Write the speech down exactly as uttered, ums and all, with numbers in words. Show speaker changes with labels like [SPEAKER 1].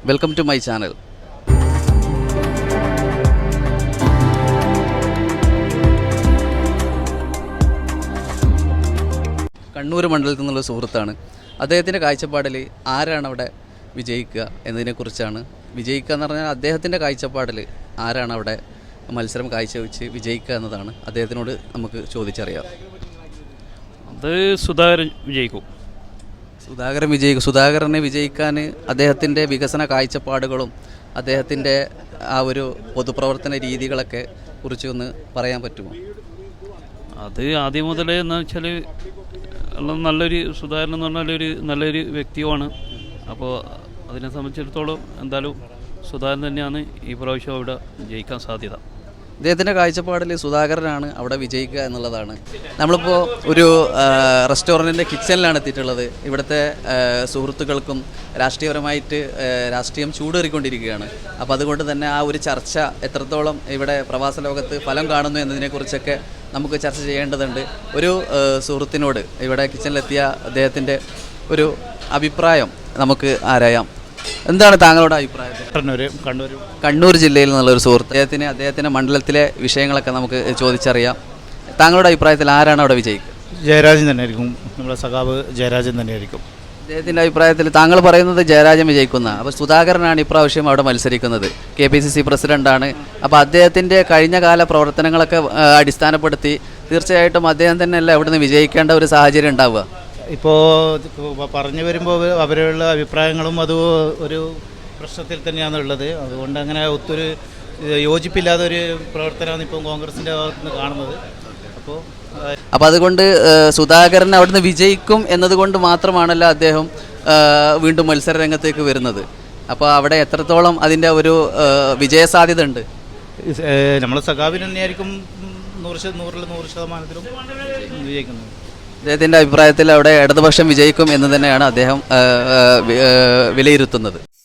[SPEAKER 1] Welcome to my channel. Kannur മണ്ഡലത്തിൽ നിന്നുള്ള സുഹൃത്താണ്. അദ്ദേഹത്തിൻ്റെ കാഴ്ചപ്പാടിൽ ആരാണ് അവിടെ വിജയിക്കുക എന്നതിനെക്കുറിച്ചാണ്. വിജയിക്കുക എന്ന് പറഞ്ഞാൽ അദ്ദേഹത്തിൻ്റെ കാഴ്ചപ്പാടിൽ ആരാണ് അവിടെ മത്സരം കാഴ്ചവെച്ച് വിജയിക്കുക എന്നതാണ് അദ്ദേഹത്തിനോട് നമുക്ക് ചോദിച്ചറിയാം.
[SPEAKER 2] അത് സുധാകരൻ വിജയിക്കും.
[SPEAKER 1] സുധാകരൻ വിജയിക്കും. സുധാകരനെ വിജയിക്കാൻ അദ്ദേഹത്തിൻ്റെ വികസന കാഴ്ചപ്പാടുകളും അദ്ദേഹത്തിൻ്റെ ആ ഒരു പൊതുപ്രവർത്തന രീതികളൊക്കെ കുറിച്ച് ഒന്ന് പറയാൻ പറ്റുമോ?
[SPEAKER 2] അത് ആദ്യം മുതലേ എന്ന് വെച്ചാൽ നല്ലൊരു സുധാകരൻ എന്ന് പറഞ്ഞാൽ ഒരു നല്ലൊരു വ്യക്തിയുമാണ്. അപ്പോൾ അതിനെ സംബന്ധിച്ചിടത്തോളം എന്തായാലും സുധാകരൻ തന്നെയാണ് ഈ പ്രാവശ്യം അവിടെ ജയിക്കാൻ സാധ്യത.
[SPEAKER 1] അദ്ദേഹത്തിൻ്റെ കാഴ്ചപ്പാടിൽ സുധാകരനാണ് അവിടെ വിജയിക്കുക എന്നുള്ളതാണ്. നമ്മളിപ്പോൾ ഒരു റെസ്റ്റോറൻറ്റിൻ്റെ കിച്ചണിലാണ് എത്തിയിട്ടുള്ളത്. ഇവിടുത്തെ സുഹൃത്തുക്കൾക്കും രാഷ്ട്രീയപരമായിട്ട് രാഷ്ട്രീയം ചൂടേറിക്കൊണ്ടിരിക്കുകയാണ്. അപ്പോൾ അതുകൊണ്ട് തന്നെ ആ ഒരു ചർച്ച എത്രത്തോളം ഇവിടെ പ്രവാസ ലോകത്ത് ഫലം കാണുന്നു എന്നതിനെക്കുറിച്ചൊക്കെ നമുക്ക് ചർച്ച ചെയ്യേണ്ടതുണ്ട്. ഒരു സുഹൃത്തിനോട് ഇവിടെ കിച്ചണിലെത്തിയ അദ്ദേഹത്തിൻ്റെ ഒരു അഭിപ്രായം നമുക്ക് ആരായാം. എന്താണ് താങ്കളുടെ അഭിപ്രായം?
[SPEAKER 2] കണ്ണൂർ കണ്ണൂർ
[SPEAKER 1] കണ്ണൂർ ജില്ലയിൽ നിന്നുള്ളൊരു സുഹൃത്ത്. അദ്ദേഹത്തിന് അദ്ദേഹത്തിൻ്റെ മണ്ഡലത്തിലെ വിഷയങ്ങളൊക്കെ നമുക്ക് ചോദിച്ചറിയാം. താങ്കളുടെ അഭിപ്രായത്തിൽ ആരാണ് അവിടെ വിജയിക്കുക?
[SPEAKER 3] ജയരാജൻ തന്നെയായിരിക്കും. നമ്മുടെ സഖാവ് ജയരാജൻ തന്നെയായിരിക്കും.
[SPEAKER 1] അദ്ദേഹത്തിൻ്റെ അഭിപ്രായത്തിൽ താങ്കൾ പറയുന്നത് ജയരാജൻ വിജയിക്കുന്ന. അപ്പോൾ സുധാകരനാണ് ഇപ്രാവശ്യം അവിടെ മത്സരിക്കുന്നത്. കെ പി സി സി പ്രസിഡൻ്റാണ്. അപ്പോൾ അദ്ദേഹത്തിൻ്റെ കഴിഞ്ഞ കാല പ്രവർത്തനങ്ങളൊക്കെ അടിസ്ഥാനപ്പെടുത്തി തീർച്ചയായിട്ടും അദ്ദേഹം തന്നെയല്ല അവിടുന്ന് വിജയിക്കേണ്ട ഒരു സാഹചര്യം ഉണ്ടാവുക.
[SPEAKER 3] ഇപ്പോൾ പറഞ്ഞു വരുമ്പോൾ അവരുടെ അഭിപ്രായങ്ങളും അത് ഒരു പ്രശ്നത്തിൽ തന്നെയാണ് ഉള്ളത്. അതുകൊണ്ട് അങ്ങനെ ഒത്തൊരു യോജിപ്പില്ലാത്ത ഒരു പ്രവർത്തനമാണ് ഇപ്പോൾ കോൺഗ്രസിൻ്റെ ഭാഗത്ത് നിന്ന് കാണുന്നത്. അപ്പോൾ
[SPEAKER 1] അപ്പോൾ അതുകൊണ്ട് സുധാകരൻ അവിടുന്ന് വിജയിക്കും എന്നതുകൊണ്ട് മാത്രമാണല്ലോ അദ്ദേഹം വീണ്ടും മത്സര രംഗത്തേക്ക് വരുന്നത്. അപ്പോൾ അവിടെ എത്രത്തോളം അതിൻ്റെ ഒരു വിജയസാധ്യത ഉണ്ട്?
[SPEAKER 3] നമ്മളെ സഖാവിന് തന്നെയായിരിക്കും നൂറ് നൂറിൽ നൂറ് ശതമാനത്തിലും വിജയിക്കുന്നത്.
[SPEAKER 1] അദ്ദേഹത്തിൻ്റെ അഭിപ്രായത്തിൽ അവിടെ ഇടതുപക്ഷം വിജയിക്കും എന്ന് തന്നെയാണ് അദ്ദേഹം വിലയിരുത്തുന്നത്.